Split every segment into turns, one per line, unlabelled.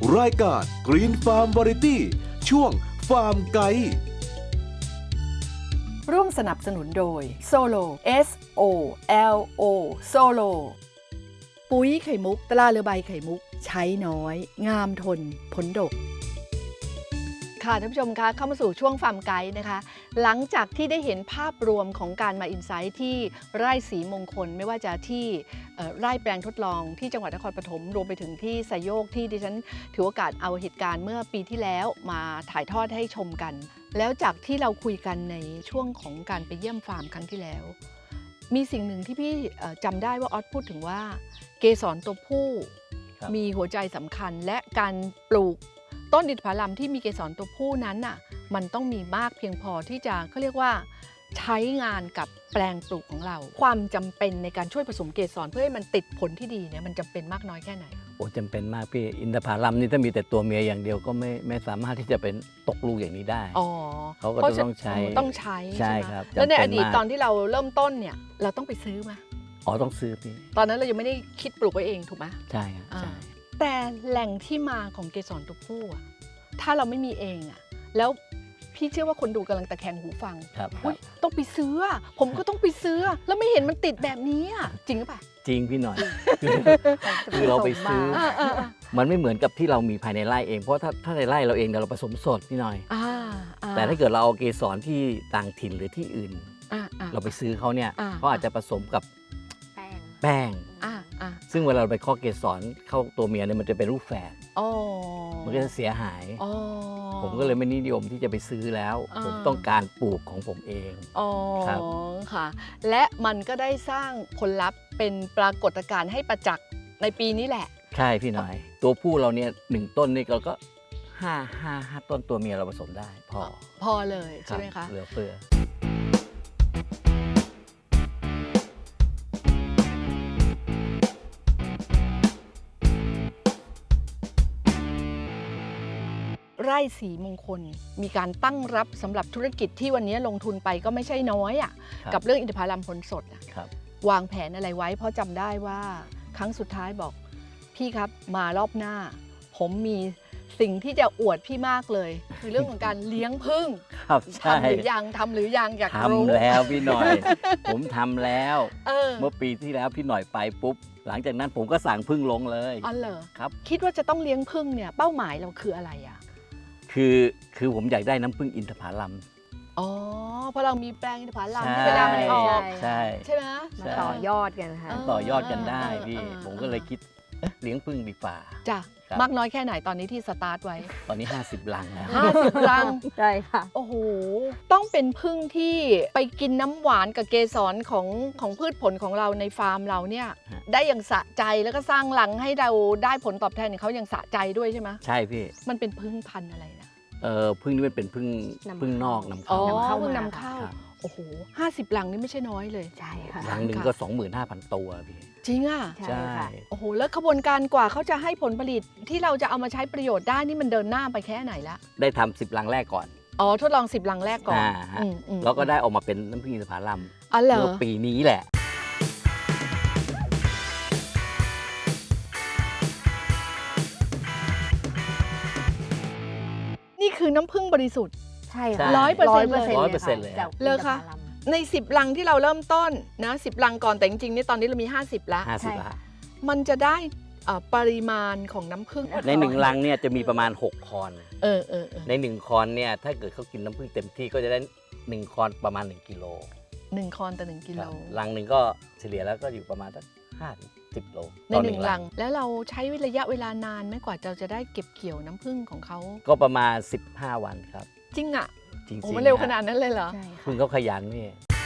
รายการ Green Farm Variety ช่วงฟาร์มไกด์
ร่วมสนับสนุนโดย Solo SOLO Solo ปุ๋ยไข่มุกตราเรือใบไข่มุกใช้น้อยงามทนผลดกค่ะท่านผู้ชมคะเข้ามาสู่ช่วงฟาร์มไกด์นะคะ หลังจากที่ได้เห็นภาพรวมของการมาอินไซต์ที่ไร่ศรีมงคลไม่ว่าจะที่ไร่แปลงทดลองที่จังหวัดนครปฐมรวมไปถึงที่ไซโยกที่ดิฉันถือโอกาสเอาเหตุการณ์เมื่อปีที่แล้วมาถ่ายทอดให้ชมกัน แล้วจากที่เราคุยกันในช่วงของการไปเยี่ยมฟาร์มครั้งที่แล้ว มีสิ่งหนึ่งที่พี่จำได้ว่าออสพูดถึงว่าเกสรตัวผู้มีหัวใจสำคัญและการปลูกต้นอินทผลัมที่มีเกสรตัวผู้นั้นน่ะมันต้องมีมากเพียงพอที่จะเขาเรียกว่าใช้งานกับแปลงปลูกของเราความจำเป็นในการช่วยผสมเกสรเพื่อให้มันติดผลที่ดีเนี่ยมันจำเป็นมากน้อยแค่ไหน
โอ้จำเป็นมากพี่อินทผลัมนี่ถ้ามีแต่ตัวเมียอย่างเดียวก็ไม่สามารถที่จะเป็นตกลูกอย่างนี้ได้เขาก็ต้องใช้ใช่ครับ
แล้วในอดีตตอนที่เราเริ่มต้นเนี่ยเราต้องไปซื้อมา
ต้องซื้อพี่
ตอนนั้นเรายังไม่ได้คิดปลูกไว้เองถูกไหม
ใช่ครับใช่
แต่แหล่งที่มาของเกสรตัวผู้ถ้าเราไม่มีเองแล้วพี่เชื่อว่าคนดูกำลังตะแคงหูฟังต้องไปซื้อผมก็ต้องไปซื้อแล้วไม่เห็นมันติดแบบนี้จริงหรือเปล่า
จริงพี่หน่อยคือเราไปซื้อมันไม่เหมือนกับที่เรามีภายในไร่เองเพราะถ้าในไร่เราเองเราผสมสดพี่หน่อยแต่ถ้าเกิดเราเอาเกสรที่ต่างถิ่นหรือที่อื่นเราไปซื้อเขาเนี่ยเขาอาจจะผสมกับแป้งซึ่งเวลาเราไปเคาะเกสรเข้าตัวเมียเนี่ยมันจะเป็นรูปแฝดมันก็จะเสียหายผมก็เลยไม่นิยมที่จะไปซื้อแล้วผมต้องการปลูกของผมเอง
ครับค่ะและมันก็ได้สร้างผลลัพธ์เป็นปรากฏการณ์ให้ประจักษ์ในปีนี้แหละ
ใช่พี่หน่อยตัวผู้เราเนี่ย1ต้นนี่เราก็5ต้นตัวเมียเราผสมได้พอ
เลยใช่ไหมคะ
เหลือเฟือ
ไร่ศรีมงคลมีการตั้งรับสำหรับธุรกิจที่วันนี้ลงทุนไปก็ไม่ใช่น้อยกับเรื่องอินทผลัมผลสดวางแผนอะไรไว้เพราะจำได้ว่าครั้งสุดท้ายบอกพี่ครับมารอบหน้าผมมีสิ่งที่จะอวดพี่มากเลยคือเรื่องของการเลี้ยงผึ้งทำหรือยังอยากรู้
ทำแล้วพี่หน่อย ผมทำแล้วเมื่อปีที่แล้วพี่หน่อยไปปุ๊บหลังจากนั้นผมก็สั่งผึ้งลงเลย
อ๋อเหรอ
ครับ
คิดว่าจะต้องเลี้ยงผึ้งเนี่ยเป้าหมายเราคืออะไร
คือผมอยากได้น้ำผึ้งอินทผลัม
เพราะเรามีแปลงอินทผลัมเวลามันออกใช่ไหม
มาต่อยอดกันค่ะ
ต่อยอดกันได้พี่ผมก็เลยคิดเลี้ยงผึ้งดีกว่า
จ้ะมากน้อยแค่ไหนตอนนี้ที่สตาร์ทไว้
ตอนนี้50 ลังแล้ว
50 ลัง
ใช่ค่ะ
โอ้โหต้องเป็นผึ้งที่ไปกินน้ำหวานกับเกสรของพืชผลของเราในฟาร์มเราเนี่ยได้อย่างสะใจแล้วก็สร้างรังให้เราได้ผลตอบแทนของเขาอย่างสะใจด้วยใช่ไหม
ใช่พี่
มันเป็นผึ้งพันธุ์อะไรนะ
ผึ้งนี่มันเป็นผึ้งนอกนำเข้า
ผึ้งนำเข้าโอ้โห50 ลังนี่ไม่ใช่น้อยเลย
ใช่ค่ะ
ลังหนึ่งก็ 25,000 ตัวพี่
จริง
ใช่
โอ้โหแล้วขบวนการกว่าเขาจะให้ผลผลิตที่เราจะเอามาใช้ประโยชน์ได้นี่มันเดินหน้าไปแค่ไหนละ
ได้ทำ10 ลังแรกก่อน
ทดลอง10 ลังแรกก่อน
แล้วก็ได้ออกมาเป็นน้ำผึ้งอินทผลัม
เมื่
อปีนี้แหละ
นี่คือน้ำผึ้งบริสุทธิ์
ใช่ค่ะ
100%
เลย
เลยค่ะใน10 ลังที่เราเริ่มต้นนะ10 ลังก่อนแต่จริงๆนี่ตอนนี้เรามี50แล้วมันจะได้ปริมาณของน้ำผึ้ง
ใน1 ลังเนี่ยจะมีประมาณ6 คอนใน1 คอนเนี่ยถ้าเกิดเขากินน้ำผึ้งเต็มที่ก็จะได้1 คอนประมาณ1 กิโล
1 คอนต่อ1 กิโล
ลังหนึ่งก็เฉลี่ยแล้วก็อยู่ประมาณสัก5-10 โล
ใน1 ลังแล้วเราใช้ระยะเวลานานไหมกว่าเราจะได้เก็บเกี่ยวน้ำผึ้งของเขา
ก็ประมาณ15 วันครับ
จริงจริงมันเร็วขนาดนั้นเลยเหรอ
ผึ้งเขาขยันนี่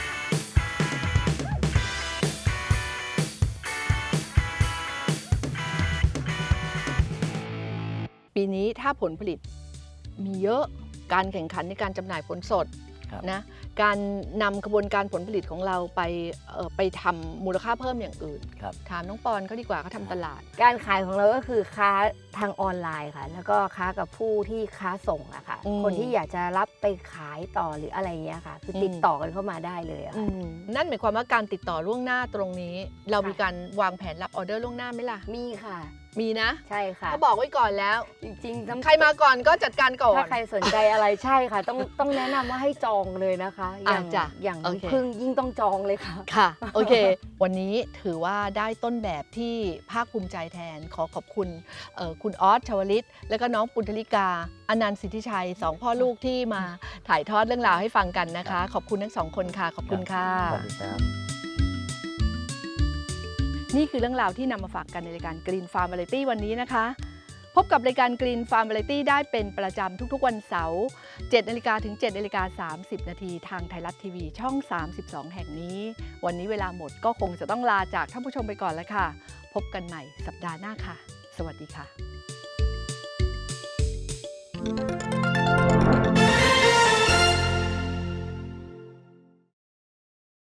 ปีนี้ถ้าผลผลิตมีเยอะการแข่งขันในการจำหน่ายผลสดนะการนำกระบวนการผลผลิตของเราไปทำมูลค่าเพิ่มอย่างอื่นถามน้องปอนเขาดีกว่าเขาทำตลาด
การขายของเราก็คือค้าทางออนไลน์ค่ะแล้วก็ค้ากับผู้ที่ค้าส่งอะค่ะคนที่อยากจะรับไปขายต่อหรืออะไรเงี้ยค่ะคือติดต่อกันเข้ามาได้เลยอะ
นั่นหมายความว่าการติดต่อล่วงหน้าตรงนี้เรามีการวางแผนรับออเดอร์ล่วงหน้าไหมล่ะ
มีค่ะ
มีนะ
ใช่ค่ะ
เขาบอกไว้ก่อนแล้ว
จริงๆ
ใครมาก่อนก็จัดการก่อน
ถ้าใครสนใจอะไรใช่ค่ะ ต้องแนะนำว่าให้จองเลยนะคะอย่าง
จ้ะ
อย่าง
โอเค
พึ่งยิ่งต้องจองเลยค่ะ
ค่ะ โอเค วันนี้ถือว่าได้ต้นแบบที่ภาคภูมิใจแทนขอขอบคุณคุณออสชวลิต และก็น้องปุณธลิกาอนันต์สิทธิชัยสองพ่อลูกที่มาถ่ายทอดเรื่องราวให้ฟังกันนะคะ ขอบคุณทั้งสองคนค่ะ ขอบคุณค่ะ
สวัสดีครับ
นี่คือเรื่องราวที่นำมาฝากกันในรายการ Green Farm Variety วันนี้นะคะ พบกับรายการ Green Farm Variety ได้เป็นประจำทุกๆวันเสาร์ 7 นาฬิกาถึง 7 นาฬิกา 30 นาทีทางไทยรัฐทีวีช่อง 32 แห่งนี้ วันนี้เวลาหมดก็คงจะต้องลาจากท่านผู้ชมไปก่อนแล้วค่ะ พบกันใหม่สัปดาห์หน้าค่ะ สวัสดีค่ะ